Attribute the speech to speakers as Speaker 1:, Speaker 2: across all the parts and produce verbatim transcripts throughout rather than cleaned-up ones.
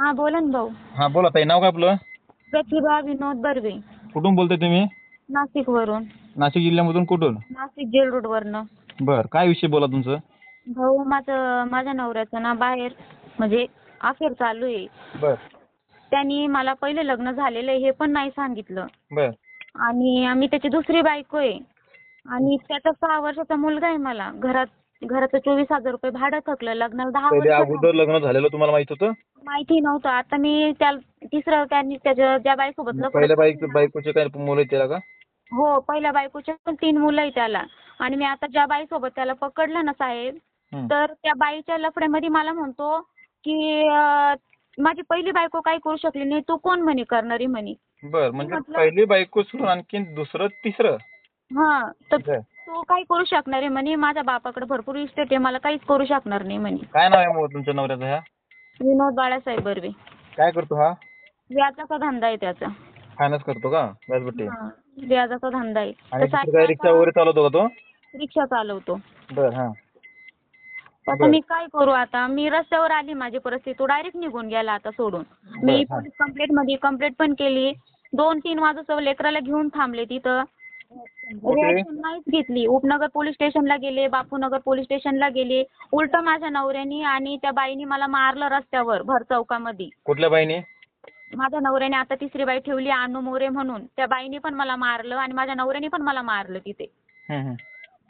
Speaker 1: हा बोला ना भाऊ.
Speaker 2: हा बोला ताई, नाव काय आपलं?
Speaker 1: प्रतिभा विनोद बर्वे.
Speaker 2: कुठून बोलताय तुम्ही?
Speaker 1: नाशिक वरून.
Speaker 2: नाशिक जिल्ह्यामधून कुठून?
Speaker 1: नाशिक जेल रोड वरनं.
Speaker 2: बर, काय विषय बोला तुमचं?
Speaker 1: भाऊ माझं माझ्या नवऱ्याचं ना बाहेर म्हणजे अफेअर चालू आहे.
Speaker 2: बर
Speaker 1: त्यांनी मला पहिले लग्न झालेलं आहे हे पण नाही सांगितलं.
Speaker 2: बर
Speaker 1: आणि आम्ही त्याची दुसरी बायको आहे. आणि त्याचा सहा वर्षाचा मुलगा आहे मला. घरात घराचं चोवीस हजार रुपये भाडं थकलं. लग्नाला दहा
Speaker 2: पहिले
Speaker 1: वर्ष
Speaker 2: अगोदर लग्न झालेलं तुम्हाला माहित होतं?
Speaker 1: माहिती नव्हतं. आता मी त्या तिसरं त्यांनी त्याच्या ज्या बाईसोबत लफडं
Speaker 2: पहिल्या बाईक
Speaker 1: केलं ना,
Speaker 2: बायकोचे काय मुलं आहेत त्याला का?
Speaker 1: हो पहिल्या बायकोचे पण तीन मुलं आहे त्याला. आणि मी आता ज्या बाईसोबत त्याला पकडलं ना साहेब,
Speaker 2: हं.
Speaker 1: तर त्या बाईच्या लफड्यामध्ये मला म्हणतो की अं, माझी पहिली बायको काही करू शकली नाही, तू कोण म्हणे करणारी म्हणे.
Speaker 2: बर,
Speaker 1: मी
Speaker 2: म्हणजे
Speaker 1: म्हटलं
Speaker 2: पहिली बायको सोडून आणखीन दुसरं तिसरं?
Speaker 1: हा तर
Speaker 2: बर.
Speaker 1: तू काही करू शकणार आहे म्हणे. माझ्या बापाकडे भरपूर इस्टेट आहे, मला काहीच करू शकणार नाही म्हणे.
Speaker 2: काय नाव आहे मग तुमच्या नवऱ्याचं? ह्या
Speaker 1: विनोद बाळासाहेब बर्वे.
Speaker 2: काय करतो हा?
Speaker 1: व्याजाचा धंदा आहे त्याचा.
Speaker 2: फायनान्स करतो का? व्याजबट्टी?
Speaker 1: हा, व्याजाचा धंदा आहे.
Speaker 2: आणि
Speaker 1: तर
Speaker 2: दुसरं
Speaker 1: साहेब
Speaker 2: काय रिक्षा
Speaker 1: आता
Speaker 2: वगैरे चालवतो का तो?
Speaker 1: रिक्षा चालवतो.
Speaker 2: बर, हा.
Speaker 1: आता
Speaker 2: बर
Speaker 1: मी काय करू आता? मी रस्त्यावर आली, माझी परिस्थिती. तो डायरेक्ट निघून गेला आता सोडून.
Speaker 2: बर,
Speaker 1: मी
Speaker 2: हा.
Speaker 1: पोलीस कंप्लेंट मध्ये कंप्लेंट पण केली. दोन तीन वाजता लेकराला घेऊन थांबले तिथं.
Speaker 2: कुठे?
Speaker 1: रिॲक्शन नाहीच घेतली. उपनगर पोलीस स्टेशनला गेले, बापूनगर पोलीस स्टेशनला गेले. उलट माझ्या नवऱ्यानी आणि त्या बाईनी मला मारलं रस्त्यावर भर चौकामध्ये.
Speaker 2: कुठल्या बाईने?
Speaker 1: माझ्या नवऱ्याने आता तिसरी बाई ठेवली अनु मोरे म्हणून. त्या बाईने पण मला मारलं आणि माझ्या नवऱ्याने पण मला मारलं तिथे.
Speaker 2: हं, हं.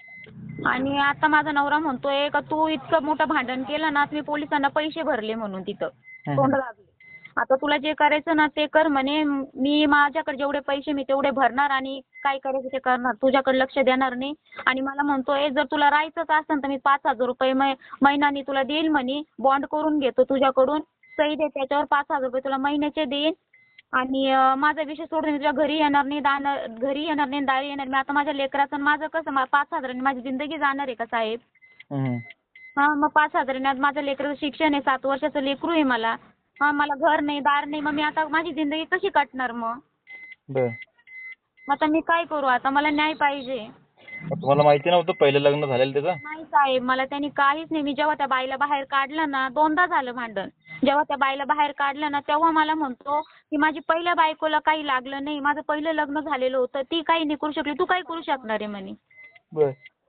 Speaker 1: आणि आता माझा नवरा म्हणतोय का तू इतकं मोठं भांडण केलं ना, मी पोलिसांना पैसे भरले म्हणून तिथं.
Speaker 2: हं,
Speaker 1: तोंड
Speaker 2: हं.
Speaker 1: दाबले. आता तुला जे करायचं ना ते कर म्हणे. मी माझ्याकडे जेवढे पैसे मी तेवढे भरणार आणि काय करायचं ते करणार. तुझ्याकडे लक्ष देणार नाही. आणि मला म्हणतोय जर तुला राहायचंच असेल तर मी पाच हजार रुपये मै महिन्यानी तुला देईल म्हणे. बॉन्ड करून घेतो तुझ्याकडून. सही दे त्याच्यावर, पाच हजार रुपये तुला महिन्याचे देईन. आणि अं, माझा विषय सोडून मी तुझ्या घरी येणार नाही, दान घरी येणार नाही, दारी येणार नाही. आता माझ्या लेकराचं आणि माझं कसं मा- पाच हजारांनी माझी जिंदगी जाणार आहे का साहेब?
Speaker 2: हं, हं.
Speaker 1: हा मग पाच हजारांनी आज माझ्या लेकराचं शिक्षण आहे, सात वर्षाचं लेकरू आहे मला. हा मला घर नाही, दार नाही. मग मी आता माझी जिंदगी कशी काटणार मग?
Speaker 2: बर.
Speaker 1: मग आता मी काय करू? आता मला न्याय पाहिजे.
Speaker 2: मग तुम्हाला माहिती नव्हतं पहिलं लग्न झालेलं त्याचं?
Speaker 1: नाही साहेब, मला त्यांनी काहीच नाही. मी जेव्हा त्या बाईला बाहेर काढलं ना, दोनदा झालं भांडण. जेव्हा त्या बाईला बाहेर काढलं ना, तेव्हा मला म्हणतो की माझी पहिल्या बायकोला काही लागलं नाही, माझं पहिलं लग्न झालेलं होतं, ती काही नाही करू शकली, तू काय करू शकणार आहे म्हणे.
Speaker 2: बर.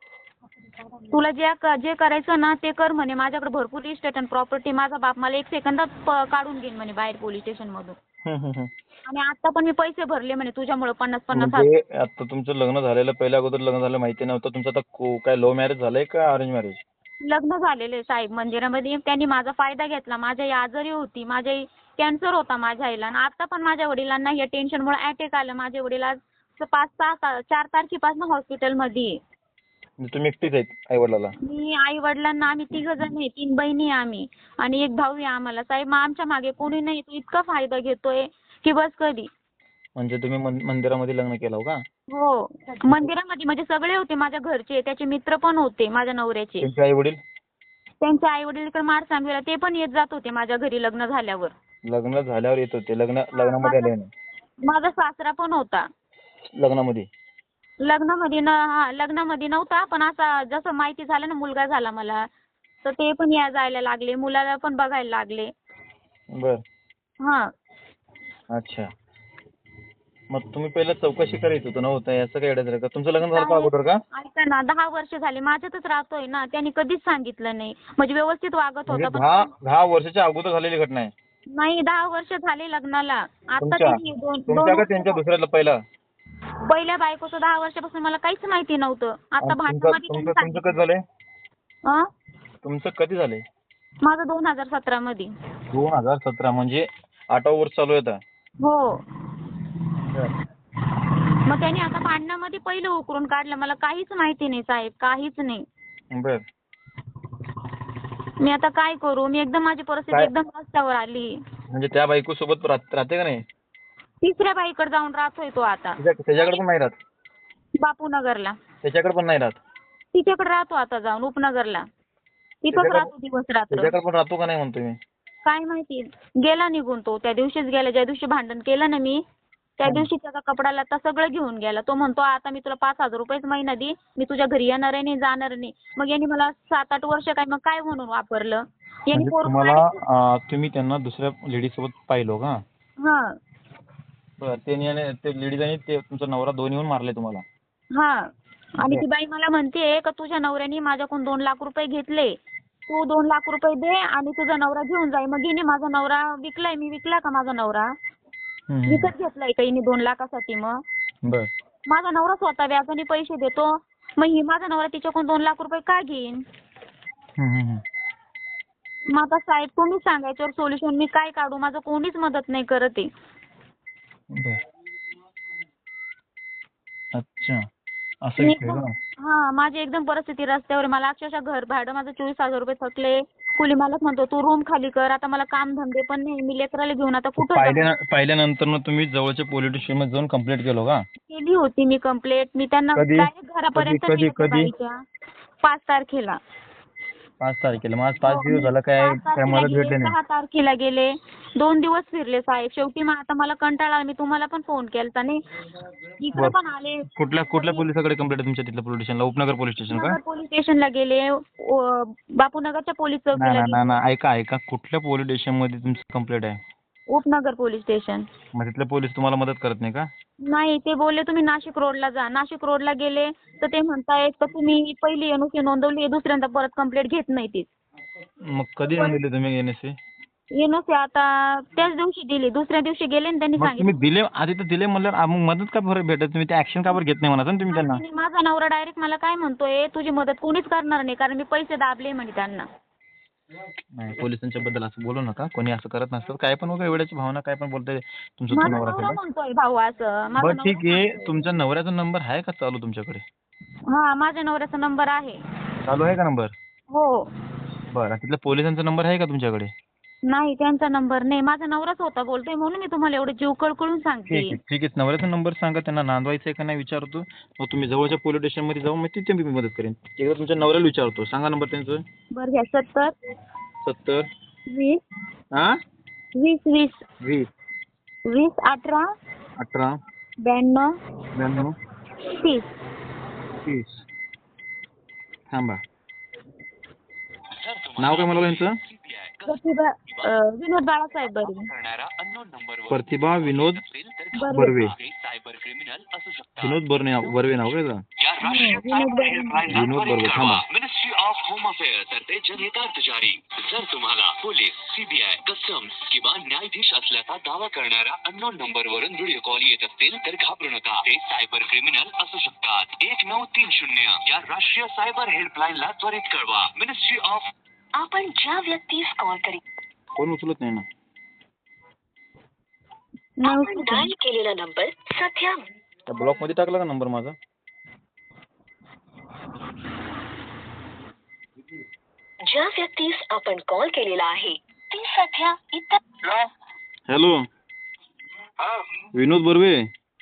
Speaker 1: तुला जे क- जे करायचं ना ते कर म्हणे. माझ्याकडे भरपूर इस्टेट आणि प्रॉपर्टी. माझा बाप मला एक सेकंदात प- काढून घेईन म्हणे बाहेर पोलीस स्टेशनमधून.
Speaker 2: हं, हं, हं.
Speaker 1: आणि आता पण मी पैसे भरले म्हणे तुझ्यामुळे पन्नास पन्नास हजार.
Speaker 2: म्हणजे आता तुमचं लग्न झालेलं, पहिल्या अगोदर लग्न झालं माहिती नव्हतं. तुमचं आता को- काय लव्ह मॅरेज झालंय का अरेंज मॅरेज?
Speaker 1: लग्न झालेले साहेब मंदिरामध्ये. त्यांनी माझा फायदा घेतला. माझी आई आजारी होती, माझ्या आई कॅन्सर होता माझ्या आईला. आणि आता पण माझ्या वडिलांना या टेन्शनमुळे अटॅक आलं. माझे वडील आज पाच सहा ता- चार तारखेपासून हॉस्पिटलमध्ये आहे.
Speaker 2: म्हणजे तुम्ही एकटीच आहेत आई वडिलाला?
Speaker 1: मी आई वडिलांना आम्ही तिघ जण आहे, तीन बहिणी आहे आम्ही आणि एक भाऊ आहे आम्हाला. साहेब मग आमच्या मागे कोणी नाही. तो इतका फायदा घेतोय की बस कधी.
Speaker 2: म्हणजे तुम्ही मन- मंदिरामध्ये लग्न केलं हो का?
Speaker 1: हो मंदिरामध्ये म्हणजे सगळे होते माझ्या घरचे, त्याचे मित्र पण होते माझ्या नवऱ्याचे.
Speaker 2: त्यांचे आई वडील?
Speaker 1: त्यांचे आई वडील इकडे मारसांगवीला ते पण येत जात होते माझ्या घरी लग्न झाल्यावर.
Speaker 2: लग्न झाल्यावर येत होते? लग्न
Speaker 1: हा,
Speaker 2: लग्नामध्ये आले
Speaker 1: माझा
Speaker 2: नाही?
Speaker 1: माझा सासरा पण होता
Speaker 2: लग्नामध्ये?
Speaker 1: लग्नामध्ये. न हा लग्नामध्ये नव्हता, पण असा जसं माहिती झालं ना मुलगा झाला मला, तर ते पण या जायला लागले, मुलाला पण बघायला लागले.
Speaker 2: बर.
Speaker 1: हा
Speaker 2: अच्छा. मग तुम्ही पहिलं चौकशी करायचं होतं नव्हतं असं काय अडचण आहे का? तुमचं लग्न झालं का
Speaker 1: साहेब,
Speaker 2: अगोदर का?
Speaker 1: ऐका ना, दहा वर्ष झाले माझ्यातच राहतोय ना. त्यांनी कधीच सांगितलं नाही. म्हणजे व्यवस्थित वागत
Speaker 2: म्हणजे
Speaker 1: होता
Speaker 2: दहा
Speaker 1: पण
Speaker 2: दहा वर्षाच्या अगोदर झालेली घटना आहे?
Speaker 1: नाही. दहा वर्ष झाले लग्नाला. आता
Speaker 2: तुमच्या
Speaker 1: त्यांनी दोन दोन
Speaker 2: तुमच्या का
Speaker 1: वर्ष
Speaker 2: त्यांच्या
Speaker 1: झाले.
Speaker 2: दुसऱ्याला पहिला?
Speaker 1: पहिल्या बायकोचं दहा वर्षापासून मला काहीच माहिती नव्हतं. आता
Speaker 2: आणि तुमचं
Speaker 1: भांडणामध्ये
Speaker 2: तुमचं
Speaker 1: त्यांनी
Speaker 2: तुमचं कधी
Speaker 1: सांगितलं.
Speaker 2: झालंय?
Speaker 1: अं?
Speaker 2: तुमचं कधी झालंय?
Speaker 1: माझं दोन हजार सतरा मध्ये.
Speaker 2: दोन हजार सतरा म्हणजे आठवं वर्ष चालू आहे आता?
Speaker 1: हो.
Speaker 2: बर.
Speaker 1: मग त्यांनी आता भांडणामध्ये पहिलं उकरून काढलं. मला काहीच माहिती नाही साहेब, काहीच नाही.
Speaker 2: बर.
Speaker 1: मी आता काय करू? मी एकदम माझी परिस्थिती
Speaker 2: काय
Speaker 1: एकदम रस्त्यावर आली.
Speaker 2: म्हणजे त्या बायको सोबत राहते का नाही?
Speaker 1: तिसऱ्या बाईकडे जाऊन राहतोय तो आता.
Speaker 2: त्याच्या- त्याच्याकडे पण नाही राहत?
Speaker 1: बापूनगरला.
Speaker 2: त्याच्याकडे पण नाही राहत?
Speaker 1: तिच्याकडे राहतो आता जाऊन उपनगरला. तिथंच
Speaker 2: त्याच्याकडे
Speaker 1: राहतो दिवस रात्र.
Speaker 2: त्याच्याकडे पण राहतो का नाही म्हणतो मी?
Speaker 1: काय माहिती. गेला निघून तो. त्या दिवशीच गेला ज्या दिवशी भांडण केलं ना मी, त्या
Speaker 2: हं.
Speaker 1: दिवशी त्याचा कपडा लत्ता सगळं घेऊन गेला. तो म्हणतो आता मी तुला पाच हजार रुपयेच महिना दे, मी तुझ्या घरी येणार आहे नाही, जाणार नाही. मग यांनी मला सात आठ वर्ष काय मग काय म्हणून वापरलं. यांनी
Speaker 2: म्हणजे
Speaker 1: पोरगं
Speaker 2: तुम्हाला
Speaker 1: direct-
Speaker 2: अं, तुम्ही त्यांना दुसऱ्या लेडी सोबत पाहिलो का?
Speaker 1: हा
Speaker 2: बरं ते आणि ते लेडीज आणि ते तुमचा नवरा दोन्ही येऊन मारले तुम्हाला?
Speaker 1: हा आणि ती बाई मला म्हणते का तुझ्या नवऱ्याने माझ्याकडून दोन लाख रुपये घेतले, तू दोन लाख रुपये दे आणि तुझा नवरा घेऊन जाई. मग हिने माझा नवरा विकलाय, मी विकला का माझा नवरा?
Speaker 2: हम्म.
Speaker 1: विकत घेतलाय का हिने दोन लाखासाठी? मग
Speaker 2: बर
Speaker 1: माझा नवरा स्वतः व्याजाने पैसे देतो, मग ही माझा नवरा तिच्याकडून दोन लाख रुपये का घेईन?
Speaker 2: हम्म, हम्म, हम्म.
Speaker 1: मग आता साहेब तुम्ही सांगायच्यावर सोल्युशन मी काय काढू? माझं कोणीच मदत नाही करत आहे.
Speaker 2: बर अच्छा असं
Speaker 1: मी
Speaker 2: विषय
Speaker 1: एकदम
Speaker 2: का?
Speaker 1: हा माझी एकदम परिस्थिती रस्त्यावर आहे. मला अक्षरशः घर भाडं माझं चोवीस हजार रुपये थकले. कुली मालक म्हणतो तू रूम खाली कर. आता मला काम धंदे पण नाही, मी लेकराला घेऊन आता कुठं जाऊ?
Speaker 2: पाहिल्या पाहिल्यानंतर मग तुम्ही जवळच्या पोलीस स्टेशन मध्ये जाऊन कंप्लेंट केलो का?
Speaker 1: केली होती मी कंप्लेंट. मी त्यांना
Speaker 2: कधी?
Speaker 1: डायरेक्ट घरापर्यंत
Speaker 2: कधी-
Speaker 1: नेलं त्या
Speaker 2: कधी?
Speaker 1: बाईच्या. पाच तारखेला.
Speaker 2: पाच तारखेला. मग आज पाच
Speaker 1: हो,
Speaker 2: दिवस
Speaker 1: मी
Speaker 2: झाला काय
Speaker 1: पाच
Speaker 2: काय
Speaker 1: तारखेला
Speaker 2: मदत
Speaker 1: गेले,
Speaker 2: भेटली नाही?
Speaker 1: सहा तारखेला गेले, दोन दिवस फिरले साहेब. शेवटी मग आता मला कंटाळा आला. मी तुम्हाला पण फोन केलता नाही, इकडे
Speaker 2: बरं.
Speaker 1: पण आले.
Speaker 2: कुठल्या कुठल्या पोलिसाकडे कंप्लेंट आहे तुमच्या तिथल्या पोलीस स्टेशनला? उपनगर पोलीस स्टेशन का?
Speaker 1: नगर पोलीस स्टेशनला गेले, ओ- बापूनगरच्या पोलीस
Speaker 2: नाही
Speaker 1: चौकीला
Speaker 2: नाही नाही
Speaker 1: गेले,
Speaker 2: नाही. ऐका ऐका कुठल्या पोलीस स्टेशन मध्ये तुमची कंप्लेंट आहे?
Speaker 1: उपनगर पोलीस स्टेशन.
Speaker 2: मग तिथले पोलीस तुम्हाला मदत करत नाही का?
Speaker 1: नाही, ते बोलले तुम्ही नाशिक रोडला जा. नाशिक रोडला गेले तर ते म्हणतायत का तुम्ही पहिली एनओसी नोंदवली, दुसऱ्यांदा परत कंप्लेंट घेत नाही ती.
Speaker 2: मग कधी येऊन दिले तुम्ही एनएससी?
Speaker 1: एनओसी आता त्याच दिवशी दिली, दुसऱ्या दिवशी गेले आणि त्यांनी
Speaker 2: मग तुम्ही
Speaker 1: सांगितलं.
Speaker 2: दिले आधी तर दिले म्हणल्यावर आ, मग मदत का बरं भेटत? तुम्ही ते ऍक्शन का बरं घेत नाही म्हणा ना तुम्ही त्यांना?
Speaker 1: आणि माझा नवरा डायरेक्ट मला काय म्हणतोय, तुझी मदत कोणीच करणार नाही कारण मी पैसे दाबले म्हणे त्यांना.
Speaker 2: नाही पोलिसांच्या बद्दल असं बोलू नका. कोणी असं करत नसतं. काय पण उगा एवढ्याची भावना काय पण बोलताय तुमचा तो
Speaker 1: माझा
Speaker 2: नवरा
Speaker 1: नवरा
Speaker 2: असेल.
Speaker 1: म्हणतोय भाऊ असं. माझा
Speaker 2: बरं
Speaker 1: नवरा
Speaker 2: ठीक आहे.
Speaker 1: म्हणतोय.
Speaker 2: तुमच्या नवऱ्याचा नंबर आहे का चालू तुमच्याकडे?
Speaker 1: हा माझ्या नवऱ्याचा नंबर आहे.
Speaker 2: चालू आहे का नंबर?
Speaker 1: हो.
Speaker 2: बरं तिथल्या पोलिसांचा नंबर आहे का तुमच्याकडे?
Speaker 1: नाही त्यांचा नंबर नाही. माझा नवराच होता बोलतोय म्हणून मी तुम्हाला एवढं जीव कळकळून सांगते.
Speaker 2: ठीक आहे ठीक आहे. नवऱ्याचा नंबर सांगा. त्यांना नांदवायचं आहे का नाही विचारतो. मग तुम्ही जवळच्या पोलीस स्टेशन मध्ये जाऊन मग तिथे मी मदत करेन. एकदा तुमच्या नवऱ्याला विचारतो. सांगा नंबर त्यांचं.
Speaker 1: बरं घ्या. सत्तर
Speaker 2: सत्तर
Speaker 1: वीस
Speaker 2: हा
Speaker 1: वीस वीस
Speaker 2: वीस
Speaker 1: वीस अठरा
Speaker 2: अठरा
Speaker 1: ब्याण्णव
Speaker 2: ब्याण्णव
Speaker 1: तीस.
Speaker 2: तीस. थांबा. नाव काय मला यांचं?
Speaker 1: प्रतिभा अं, विनोद बाळासाहेब बर्वे.
Speaker 2: प्रतिभा विनोद
Speaker 1: बर्वे.
Speaker 2: बर्वे. विनोद बर्वे नाव बर्वे नाव काय का?
Speaker 1: विनोद बर्वे.
Speaker 2: विनोद बर्वे. थांबा.
Speaker 3: मिनिस्ट्री ऑफ होम अफेअर्स तर्फे जनहितार्थ जारी. जर तुम्हाला पोलीस, सीबीआय, कस्टम्स किंवा न्यायाधीश असल्याचा दावा करणाऱ्या अननोन नंबर वरून व्हिडिओ कॉल येत असतील तर घाबरू नका. ते सायबर क्रिमिनल असू शकतात. एक नऊ तीन शून्य या राष्ट्रीय सायबर हेल्पलाईनला त्वरित कळवा. Ministry of. आपण ज्या व्यक्तीस कॉल करी
Speaker 2: कोण उचलत नाही ना.
Speaker 1: नऊ
Speaker 3: डायल केलेला नंबर सध्या
Speaker 2: ब्लॉक मध्ये टाकला का नंबर माझा?
Speaker 3: ज्या व्यक्तीस आपण कॉल केलेला आहे ती सध्या इतर.
Speaker 2: हॅलो विनोद बर्वे.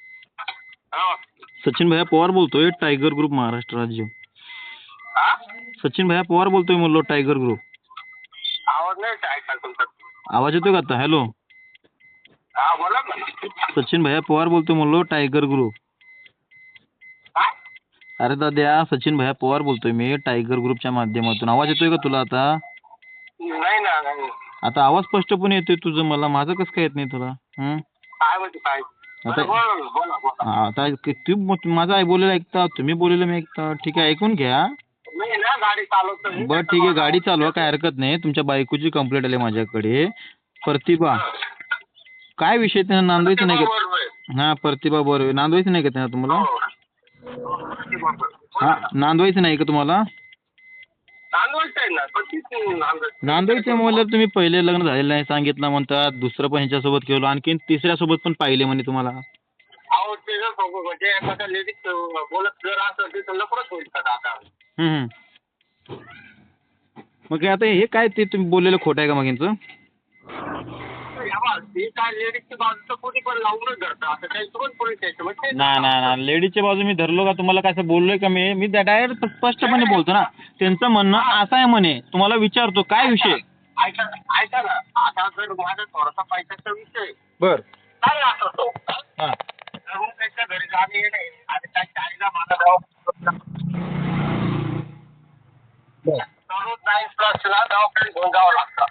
Speaker 2: सचिन भैया पवार बोलतोय. टायगर ग्रुप महाराष्ट्र राज्य. सचिन भैया पवार बोलतोय म्हणलो. Tiger group.
Speaker 4: आवाज नाही ऐकायला तुमचा.
Speaker 2: आवाज येतोय का आता? हॅलो
Speaker 4: हा बोला ना.
Speaker 2: सचिन भैया पवार बोलतोय म्हणलो. Tiger group.
Speaker 4: काय?
Speaker 2: अरे दाद्या सचिन भैया पवार बोलतोय मी टायगर ग्रुपच्या माध्यमातून. आवाज येतोय का तुला आता?
Speaker 4: नाही ना नाही.
Speaker 2: आता आवाज स्पष्टपणे येतोय तुझं. मला माझं कसं काय येत नाही तुला? हं?
Speaker 4: काय म्हणते काय?
Speaker 2: आता
Speaker 4: बोला ना, बोला बोला.
Speaker 2: हा, आता तू माझं आई बोलायला ऐकता, तुम्ही बोलायला मी ऐकता. ठीक आहे ऐकून घ्या.
Speaker 4: मी ना गाडी चालवतोय.
Speaker 2: बरं ठीक आहे गाडी चालवा काय हरकत नाही. तुमच्या बायकोची कंप्लेंट आली माझ्याकडे. प्रतिभा काय विषय त्यांना नांदवायचं नाही का?
Speaker 4: बरोबर आहे.
Speaker 2: हा प्रतिभा बरोबर. नांदवायचं नाही का त्यांना तुम्हाला?
Speaker 4: हो.
Speaker 2: हा नांदवायचं नाही का तुम्हाला?
Speaker 4: नांदवायचं आहे ना पण तीच नांदवायचं.
Speaker 2: नांदवायचं म्हणल्यावर तुम्ही पहिले लग्न झालेलं नाही सांगितलं म्हणतात. दुसरं पण ह्याच्यासोबत केलं. आणखीन तिसऱ्या सोबत पण पाहिले म्हणे तुम्हाला.
Speaker 4: अहो ते जर सोबत म्हणजे एखाद्या लेडीज बोलत जर असं तर लपडच होईल का आता.
Speaker 2: हम्म, हम्म. मग आता हे काय ते तुम्ही बोललेलं खोटं आहे का मग यांचं?
Speaker 4: ती काय लेडीजची बाजू तर कोणी पण लावूनच धरतं. असं काही पण पोलीस स्टेशन म्हणजे
Speaker 2: नाही नाही नाही लेडीजच्या बाजू मी धरलो का? तुम्हाला काय असं बोललोय का मी? मी डायरेक्ट स्पष्टपणे बोलतो ना. त्यांचं म्हणणं असं आहे म्हणे. तुम्हाला विचारतो काय विषय?
Speaker 4: ऐका ऐका ना. आता जर माझा थोडासा पैशाचा विषय
Speaker 2: बर
Speaker 4: काय असं तो
Speaker 2: हा
Speaker 4: जरूर त्याच्या घरी जाणे येणे आणि त्याच्या आईला माझा दवाखान्यात
Speaker 2: बर
Speaker 4: दररोज नाईन प्लसला दवाखान्यात घेऊन जावं लागतं.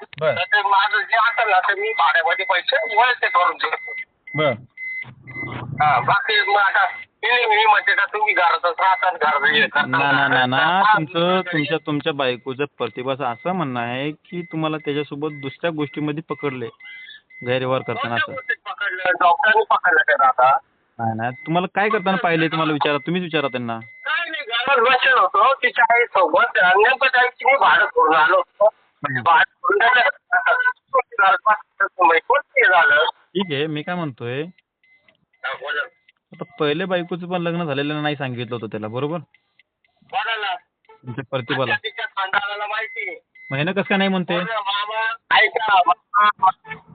Speaker 4: तर मी भाड्यामध्ये पैसे वळते करून देतो.
Speaker 2: बर
Speaker 4: हा बाकी मग आता मी मी म्हणते का तुम्ही घरातच राहतात घर हे करतात.
Speaker 2: ना ना ना ना तुमचं तुमच्या तुमच्या बायकोचं प्रतिभाचं असं म्हणणं आहे की तुम्हाला त्याच्यासोबत दुसऱ्या गोष्टीमध्ये पकडले गैरव्यवहार करताना असं.
Speaker 4: पकडलं डॉक्टरांनी पकडलं त्याला आता.
Speaker 2: नाही नाही तुम्हाला काय करताना पाहिले तुम्हाला विचारा तुम्हीच विचारा त्यांना.
Speaker 4: काय नाही घरात बसेल होतो तिच्या आई सोबत नेमकं त्याची मी भाडं करून आलो होतो. भाडं करून झालं.
Speaker 2: ठीक आहे मी काय म्हणतोय
Speaker 4: हा, बोला
Speaker 2: आता पहिले बायकोचं पण लग्न झालेलं नाही सांगितलं होतं त्याला बरोबर
Speaker 4: बोला ना.
Speaker 2: तुमच्या प्रतिभाला
Speaker 4: आता तिच्या खानदानाला माहिती आहे.
Speaker 2: मग ह्यानं कसं काय नाही म्हणते.
Speaker 4: बोल ना, मामा ऐका मामा.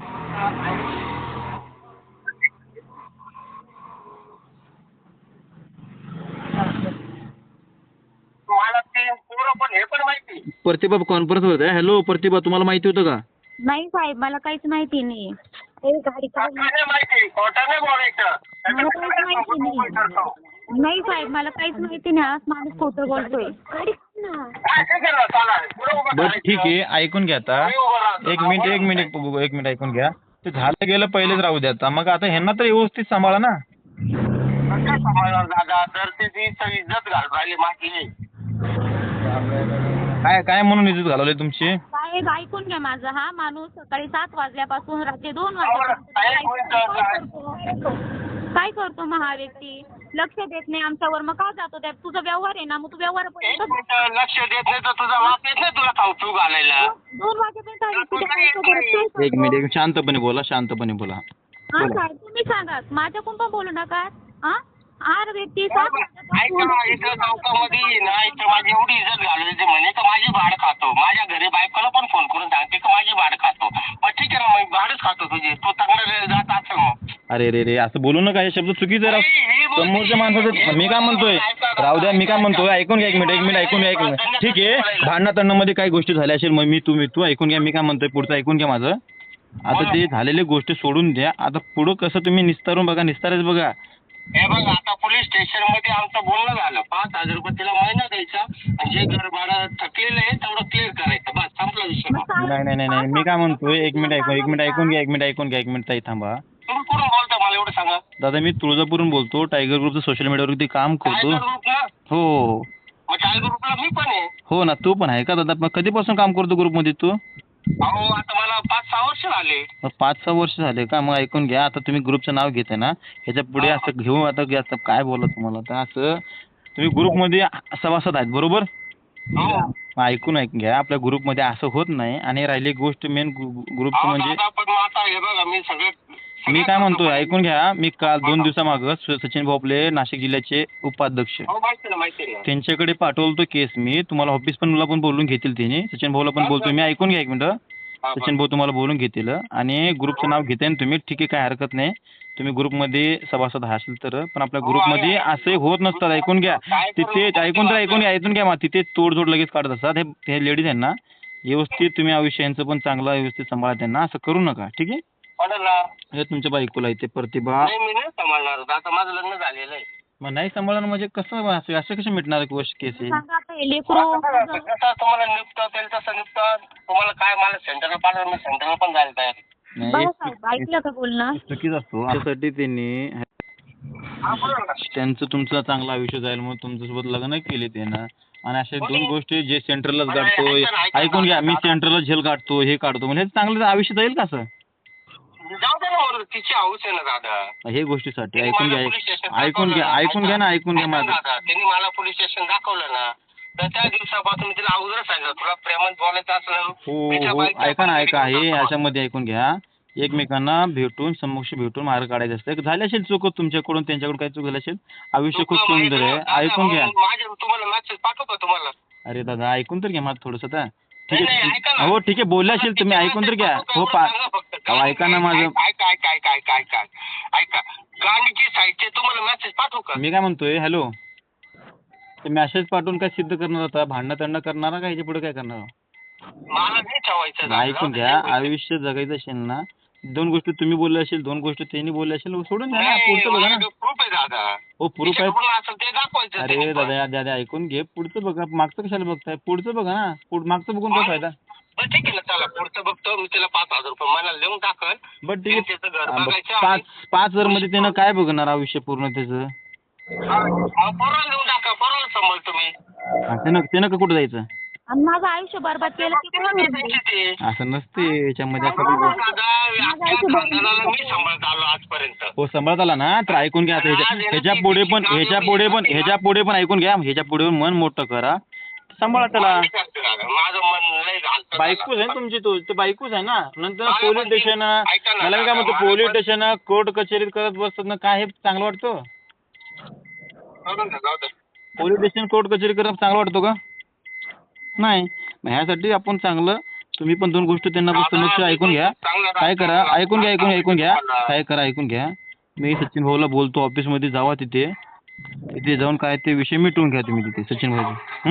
Speaker 4: मला ते पोरं पण हे पण माहिती.
Speaker 2: प्रतिभा कॉन्फरन्स होते. हॅलो प्रतिभा तुम्हाला माहिती होतं का.
Speaker 1: नाही साहेब मला काहीच माहिती नाही. ए गाडी काढ.
Speaker 4: कोर्टाने माहिती कोर्टाने बोलायचं.
Speaker 1: मला काहीच माहिती नाही. नाही साहेब मला काहीच माहिती नाही. आज माणूस खोटं बोलतोय. गाडी काढ ना.
Speaker 4: काय काय केलं? चला, पुढं उभं
Speaker 2: बरं
Speaker 4: करायचं.
Speaker 2: ठीक आहे ऐकून घ्या आता
Speaker 4: मी उभं राहतो.
Speaker 2: एक मिनिट एक मिनिट एक मिनिट ऐकून घ्या. ते झालं गेलं पहिलेच राहू द्या आता मग आता ह्यांना तर व्यवस्थित सांभाळा ना.
Speaker 4: कसं सांभाळणार दादा तर ते ती इज्जत घाल राहिली माझी.
Speaker 2: काय काय म्हणून इज्जत घालवली तुमची.
Speaker 1: साहेब ऐकून घ्या माझं. हा माणूस सकाळी सात वाजल्यापासून रात्री दोन
Speaker 4: साहेब,
Speaker 1: वाजेपर्यंत काय
Speaker 4: साहेब,
Speaker 1: करतो? काय करतो मग हा व्यक्ती. लक्ष देत नाही आमच्यावर मग का जातो त्या तुझा व्यवहार आहे ना मग तू व्यवहार
Speaker 4: एक मिनिट लक्ष देत नाही तर तुझा बाप येत नाही तुला खाऊ घालायला.
Speaker 1: दोन वाजेपर्यंत हा व्यक्ती त्या बायकोबरोबर काय करतो?
Speaker 2: एक मिनिट एक मिनिट शांतपणे बोला शांतपणे बोला.
Speaker 1: हा साहेब तुम्ही सांगा माझ्याकडून पण बोलू नका. हा हा व्यक्ती सात
Speaker 4: ऐका
Speaker 1: वाजल्यापासून-
Speaker 4: इथं चौकामध्ये ना इथं माझी एवढी इज्जत घालवली म्हणे तर माझी भाड खातो. माझ्या घरी बायकोला पण फोन करून सांगते की माझी भाड खातो. मग ठीक आहे ना मग भाडच खातो तुझी. तू चांगलं जात असेल मग.
Speaker 2: अरे रे रे असं बोलू नका हे शब्द चुकीचे राव. समोरच्या माणसाचं मी काय म्हणतोय राहू द्या मी काय म्हणतोय ऐकून घ्या एक मिनिट एक मिनिट ऐकून घ्या एक मिनिट ठीक आहे भांडणा मध्ये काही गोष्टी झाल्या असेल मग मी तुम्ही तू ऐकून घ्या मी काय म्हणतोय पुढचं ऐकून घ्या माझं. आता ते झालेली गोष्टी सोडून द्या. आता पुढं कसं तुम्ही निस्तारून बघा निस्तारच बघा.
Speaker 4: हे बघ आता पोलीस स्टेशन मध्ये आमचं बोलणं झालं. पाच हजार रुपये तिला महिना द्यायचा आणि जे घर भाडं थकलेलं आहे तेवढं क्लिअर करायचं बस संपला विषय.
Speaker 2: नाही नाही नाही नाही मी काय म्हणतोय एक मिनिट ऐकून एक मिनिट ऐकून घ्या एक मिनिट ऐकून घ्या एक मिनिट ताई थांबा.
Speaker 4: तुम्ही कुठून बोलता मला एवढं सांगा.
Speaker 2: दादा मी तुळजापूरहून बोलतो. टायगर ग्रुपचं सोशल मीडियावरती काम करतो.
Speaker 4: टायगर ग्रुप ना
Speaker 2: हो हो
Speaker 4: मग टायगर ग्रुपला मी पण आहे.
Speaker 2: हो ना तू पण आहे का दादा मग कधीपासून काम करतो ग्रुपमध्ये तू.
Speaker 4: अहो आता मला पाच सहा वर्ष झाले.
Speaker 2: मग पाच सहा वर्ष झाले का मग ऐकून घ्या आता तुम्ही ग्रुपचं नाव घेताय ना ह्याच्या पुढे असं घेऊ आता घ्या आता काय बोला तुम्हाला तर असं तुम्ही ग्रुपमध्ये सभासद आहेत बरोबर.
Speaker 4: हो
Speaker 2: मग ऐकून ऐकून घ्या आपल्या ग्रुपमध्ये असं होत नाही आणि राहिली गोष्ट मेन ग्रुपचं
Speaker 4: अहो,
Speaker 2: म्हणजे
Speaker 4: दादा, पण मग आता हे बघा मी सगळे
Speaker 2: मी काय म्हणतोय ऐकून घ्या मी काल दोन दिवसामागं स- सचिन भोपले नाशिक जिल्ह्याचे उपाध्यक्ष
Speaker 4: हो माहिती ना माहिती ना.
Speaker 2: त्यांच्याकडे पाठवलं तो केस मी तुम्हाला ऑफिस पण मला पण बोलून घेतील त्यांनी सचिन भाऊला पण बोलतोय मी ऐकून घ्या एक मिनिट.
Speaker 4: हा,
Speaker 2: सचिन भाऊ तुम्हाला बोलून घेतील आणि ग्रुपचं नाव घेताय ना तुम्ही ठीक आहे काय हरकत नाही. तुम्ही ग्रुपमध्ये सभासद असाल तर पण आपल्या ग्रुपमध्ये असे होत नसतात ऐकून घ्या. तिथे ऐकून तर ऐकून घ्या ऐकून घ्या मग तिथे तोडजोड लगेच काढत असतात. हे हे लेडीज आहेत ना व्यवस्थित तुम्ही आयुष्य यांचं पण चांगलं व्यवस्थित सांभाळा त्यांना असं करू नका ठीक आहे.
Speaker 4: कोणाला?
Speaker 2: हे तुमच्या बायकोला इथे प्रतिभा
Speaker 4: नाही मी नाही सांभाळणार. आता माझं लग्न झालेलं आहे.
Speaker 2: मग नाही सांभाळणं म्हणजे कसं असं असं कसं मिटणार गोष्ट केस आहे.
Speaker 1: सांगा आता हे लेकरू
Speaker 4: आता जसं तुम्हाला निपतं तेल तसं निपतं. तुम्हाला काय मला सेंटरला पाठवलं मी सेंटरला पण जायला तयार आहे.
Speaker 2: नाही
Speaker 1: बघा साहेब ऐकलं का बोलणं.
Speaker 2: चुकीच असतो त्यासाठी त्यांनी
Speaker 4: हा, बोला ना.
Speaker 2: त्यांचं तुमचं चांगलं आयुष्य जाईल म्हणून तुमच्यासोबत लग्न केले त्यानं आणि अशा दोन गोष्टी जे सेंटरलाच काढतो ऐकून घ्या मी सेंटरला झेल काढतो हे काढतो म्हणजे चांगलं आयुष्य जाईल का असं.
Speaker 4: जाऊ दे ना बरं, तिची हौस आहे ना दादा.
Speaker 2: हे गोष्टीसाठी
Speaker 4: त्यांनी
Speaker 2: ऐकून
Speaker 4: मला
Speaker 2: घ्या
Speaker 4: पोलीस स्टेशन
Speaker 2: ऐकून घ्या
Speaker 4: दाखवलं
Speaker 2: ऐकून घ्या ना ऐकून घ्या
Speaker 4: ऐका
Speaker 2: माझं.
Speaker 4: दादा, त्यांनी मला पोलीस स्टेशन दाखवलं ना तर त्या दिवसापासून मी तिला अगोदर सांगितलं तुला प्रेमात बोलायचं असलं
Speaker 2: हो
Speaker 4: मी त्या
Speaker 2: हो
Speaker 4: बाईकच्या
Speaker 2: ऐका ना ऐका
Speaker 4: पलीकडे
Speaker 2: हे
Speaker 4: जातो.
Speaker 2: याच्यामध्ये ऐकून घ्या एकमेकांना भेटून समक्ष भेटून मार्ग काढायचं असतं. झाली असेल चूक तुमच्याकडून त्यांच्याकडून काही चूक झाली असेल आयुष्य खूप
Speaker 4: तुला
Speaker 2: सुंदर आहे
Speaker 4: माहिती आहे,
Speaker 2: ऐकून घ्या.
Speaker 4: दादा, माझ्या तुम्हाला मॅसेज पाठवू का तुम्हाला?
Speaker 2: अरे दादा ऐकून तर घ्या माझं थोडंसं आता ठीक
Speaker 4: नाही, नाही, ऐका ना.
Speaker 2: आहे हो ठीक आहे बोलले असेल तुम्ही ऐकून तर घ्या हो पा
Speaker 4: सांगा फक्त.
Speaker 2: अहो, ऐका ना माझं
Speaker 4: ऐका ऐका ऐका ऐका ऐका ऐका गाणीची साईडचे तुम्हाला मेसेज पाठवू का?
Speaker 2: मी काय म्हणतोय हॅलो ते मेसेज पाठवून काय सिद्ध करणार होता भांडणं तंडणं करणार का ह्याच्या पुढे काय करणार.
Speaker 4: मला नाही ठेवायचं दादा.
Speaker 2: ऐकून घ्या आयुष्य जगायचं असेल ना दोन गोष्टी तुम्ही बोलले असेल दोन गोष्टी त्यांनी बोलले असेल सोडून द्या ना
Speaker 4: नाही,
Speaker 2: पुढचं बघा ना.
Speaker 4: प्रूफ आहे दादा.
Speaker 2: हो प्रूफ आहे.
Speaker 4: तिच्याकडून असेल ते दाखवायचं
Speaker 2: अरे
Speaker 4: त्यांनी पण.
Speaker 2: दादा दादा ऐकून घे पुढचं बघा मागचं कशाला बघताय पुढचं बघा ना पुढ मागचं बघून काय फायदा.
Speaker 4: बरं ठीक आहे ना चला पुढचं बघतो मी त्याला पाच हजार रुपये मला लिहून टाकल.
Speaker 2: बट ठीक आहे.
Speaker 4: त्याचं घर
Speaker 2: हा, बघ,
Speaker 4: बघायचं
Speaker 2: पाच
Speaker 4: आणि-
Speaker 2: पाच हजार मध्ये त्यानं काय बघणार आयुष्य पूर्ण त्याचं?
Speaker 4: हा, मग पोराला लिहून टाका, पोराला सांभाळ तुम्ही.
Speaker 2: हा, त्यानं त्यानं का कुठं जायचं?
Speaker 1: आणि माझं आयुष्य बरबाद केलं की
Speaker 4: तिला
Speaker 1: कोण
Speaker 4: दे
Speaker 1: भरणार?
Speaker 4: त्यांची ते.
Speaker 2: असं नसते याच्यामध्ये असं
Speaker 4: माझा
Speaker 2: काही-
Speaker 4: दादा अख्ख्या खानदानाला मी सांभाळत आलो आजपर्यंत.
Speaker 2: हो सांभाळत आला ना, तर ऐकून घ्या आता ह्याच्या ह्याच्या पुढे पण ह्याच्या पुढे पण ह्याच्या पुढे पण ऐकून घ्या. ह्याच्या पुढे पण मन मोठं करा, सांभाळा त्याला.
Speaker 4: माझं मन लय घालतं.
Speaker 2: बायकोच आहे ना तुमची, तो ते बायकोच आहे ना. नंतर
Speaker 4: मला
Speaker 2: पोलीस
Speaker 4: पण ते-
Speaker 2: स्टेशन
Speaker 4: ऐका ना,
Speaker 2: मला मी काय म्हणतो,
Speaker 4: मला
Speaker 2: पोलीस
Speaker 4: पण-
Speaker 2: स्टेशन कोर्ट कचेरीत करत बसतात ना, काय हे चांगलं वाटतं?
Speaker 4: बघून घ्या, जाऊ दे.
Speaker 2: पोलीस स्टेशन कोर्ट कचेरी करत चांगलं वाटतो का? नाही. मग ह्यासाठी आपण चांगलं, तुम्ही पण दोन गोष्टी त्यांना समक्ष ऐकून घ्या. काय करा, ऐकून घ्या ऐकून ऐकून घ्या काय करा ऐकून घ्या. मी सचिन भाऊला बोलतो, ऑफिसमध्ये जावा तिथे तिथे जाऊन काय ते विषय मिटवून घ्या तुम्ही तिथे सचिन भाऊ.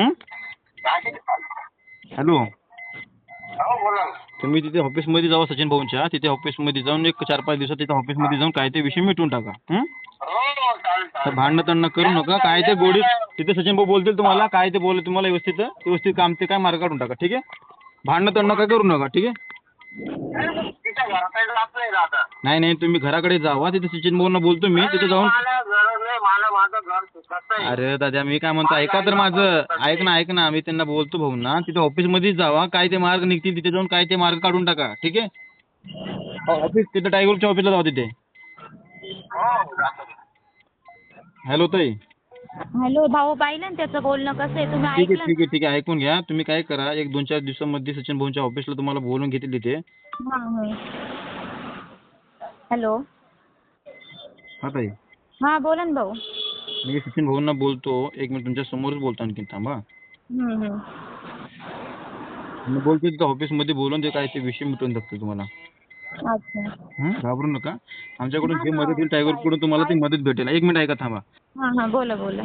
Speaker 2: हॅलो,
Speaker 4: हो, बोला ना.
Speaker 2: तुम्ही तिथे ऑफिसमध्ये जावा सचिन भाऊंच्या, तिथे ऑफिसमध्ये जाऊन एक चार पाच दिवसात तिथे ऑफिसमध्ये जाऊन काय ते विषय मिटवून टाका. हं?
Speaker 4: हो, चालेल,
Speaker 2: तर
Speaker 4: चालेल.
Speaker 2: भांडणं तंडणं करू नका. काय ते गोडीत तिथे सचिन भाऊ बोलतील तुम्हाला, काय ते बोल तुम्हाला व्यवस्थित व्यवस्थित काम ते काय मार्ग काढून टाका. ठीक आहे? भांडणं तंडणं काय करू नका. ठीक आहे?
Speaker 4: तिच्या घराकडे जात नाही दादा.
Speaker 2: नाही नाही, तुम्ही घराकडे जावा, तिथे सचिन भाऊंना बोलतो मी, तिथे जाऊन.
Speaker 4: मला गरज नाही, मला माझं घर सुखाचं आहे.
Speaker 2: अरे दादा, मी काय म्हणतो ऐका तर माझं, ऐक ना ऐक ना, मी त्यांना बोलतो भाऊंना, तिथे ऑफिसमध्येच जावा, काय ते मार्ग निघतील तिथे जाऊन काय ते मार्ग काढून टाका. ठीक आहे? ऑफिस तिथे टायगरच्या ऑफिसला जावा तिथे.
Speaker 4: हो, जातो.
Speaker 2: हॅलो ताई.
Speaker 1: हॅलो भाऊ, पाहिलं ना त्याचं बोलणं कसं आहे? तुम्ही
Speaker 2: ठीक आहे
Speaker 1: ऐकलं
Speaker 2: ठीक आहे ठीक आहे, ऐकून घ्या. तुम्ही काय करा, एक दोन चार दिवसामध्ये सचिन भाऊंच्या ऑफिसला तुम्हाला बोलून घेतील तिथे.
Speaker 1: ना? हां हां. हॅलो.
Speaker 2: हा ताई,
Speaker 1: हां बोला ना भाऊ.
Speaker 2: मी सचिन भाऊंना बोलतो, एक मिनिट तुमच्या समोरच बोलतो, आणखी थांबा.
Speaker 1: हम्म, हम्म.
Speaker 2: मी बोलतो तिथे ऑफिसमध्ये बोलून ते काय ते विषय मिटवून टाकतो तुम्हाला.
Speaker 1: अच्छा.
Speaker 2: हं? घाबरू नका. आमच्याकडून जे
Speaker 1: हा,
Speaker 2: मदत येईल टायगरकडून तुम्हाला ती मदत भेटेल. एक मिनिट ऐका, थांबा.
Speaker 1: हां हां, बोला बोला.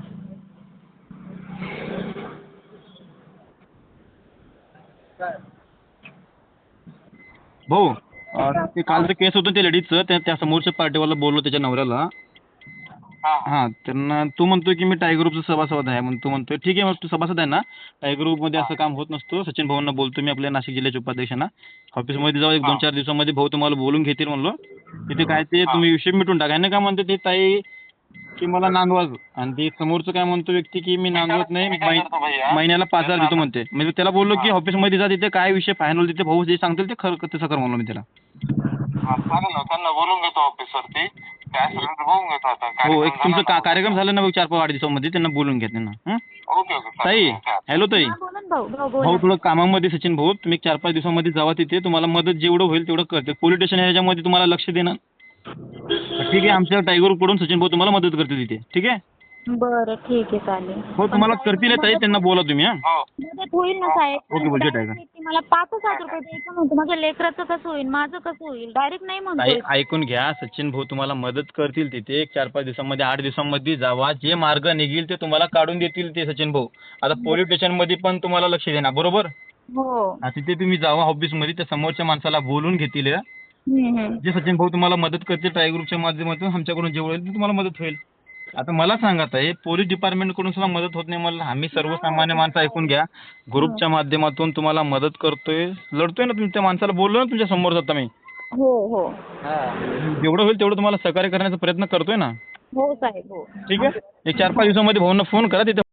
Speaker 2: भाऊ, अं, ते कालचं केस होतं ते लेडीजचं, त्या त्या समोरच्या पार्टीवाला बोललो त्याच्या नवऱ्याला.
Speaker 4: हा.
Speaker 2: हा, त्यांना तू म्हणतोय की मी टायगर ग्रुपचा सभासद आहे, म्हणून तू म्हणतोय ठीक आहे, मग तू सभासद आहे ना, टायगर ग्रुपमध्ये असं काम होत नसतं. सचिन भाऊंना बोलतो मी, आपल्या नाशिक जिल्ह्याच्या उपाध्यक्षांना. ऑफिसमध्ये जाऊ, एक दोन चार दिवसामध्ये भाऊ तुम्हाला बोलून घेतील म्हणलो. तिथे काय ते तुम्ही विषय मिटून टाका. ह्यानं काय म्हणते ते ताई की मला नांदवा, आणि ते समोरचं काय म्हणतो व्यक्ती की मी नांदवत नाही,
Speaker 4: मी काय करतो
Speaker 2: मै-
Speaker 4: भैया?
Speaker 2: महिन्याला पाच हजार देतो म्हणते. म्हणजे त्याला बोललो की ऑफिसमध्ये जा, तिथे काय विषय फायनल तिथे भाऊ जे सांगतील ते खरं तसं कर म्हणलो मी त्याला.
Speaker 4: हा, चालेल ना, त्यांना बोलून घेतो ऑफिसवरती. काय असेल ते बघून घेतो आता.
Speaker 2: हो, एक
Speaker 4: कार्यक्रम
Speaker 2: तुमचं
Speaker 4: झाला
Speaker 2: का
Speaker 4: ना.
Speaker 2: कार्यक्रम झाला ना बघ चार पाच आठ दिवसामध्ये, त्यांना बोलून घ्या त्यांना. हं?
Speaker 4: ओके ओके
Speaker 2: ताई,
Speaker 4: चालेल. काय
Speaker 2: हॅलो ताई.
Speaker 1: हां बोला ना भाऊ. भाऊ
Speaker 2: भाऊ
Speaker 1: बोला.
Speaker 2: थोडं कामामध्ये सचिन भाऊ, तुम्ही एक चार पाच दिवसामध्ये जावा तिथे, तुम्हाला मदत जेवढं होईल तेवढं करते. पोलीस स्टेशन ह्याच्यामध्ये तुम्हाला लक्ष देणार. ठीक आहे, आमच्या टायगर कडून सचिन भाऊ तुम्हाला मदत करतील तिथे. ठीक आहे?
Speaker 1: बरं ठीक आहे, चालेल.
Speaker 2: हो, तुम्हाला करतील ताई, त्यांना बोला तुम्ही. हा,
Speaker 4: हो.
Speaker 1: मदत होईल ना साहेब?
Speaker 2: ओके, बोल, जे टायगर.
Speaker 1: ती मला पाचच हजार रुपये द्यायचं म्हणतो. माझ्या लेकराचं कसं होईल, माझं कसं होईल? डायरेक्ट नाही
Speaker 2: ताई
Speaker 1: म्हणतोय.
Speaker 2: ऐकून घ्या, सचिन भाऊ तुम्हाला मदत करतील तिथे. एक चार पाच दिवसामध्ये आठ दिवसामध्ये जावा, जे मार्ग निघेल ते तुम्हाला काढून देतील ते सचिन भाऊ. आता पोलीस स्टेशनमध्ये पण तुम्हाला लक्ष देणार, बरोबर?
Speaker 1: हो.
Speaker 2: हा, तिथे तुम्ही जावा ऑफिसमध्ये, त्या समोरच्या माणसाला बोलून घेतील.
Speaker 1: हम्म, हम्म.
Speaker 2: जे सचिन भाऊ तुम्हाला मदत करतील टायगर ग्रुपच्या माध्यमातून, आमच्याकडून जेवढं होईल ते तुम्हाला मदत होईल. आता मला सांगा ताई, पोलीस डिपार्टमेंटकडून सुद्धा मदत होत नाही मला. आम्ही सर्वसामान्य माणसं, ऐकून घ्या, ग्रुपच्या माध्यमातून तुम्हाला मदत करतोय, लढतोय ना. तुम्ही त्या माणसाला बोललो ना तुमच्या समोर जाता मी.
Speaker 1: हो हो.
Speaker 2: जेवढं होईल तेवढं तुम्हाला सहकार्य करण्याचा प्रयत्न करतोय ना.
Speaker 1: हो साहेब हो.
Speaker 2: ठीक आहे? एक चार पाच दिवसामध्ये भाऊंना फोन करा, तिथे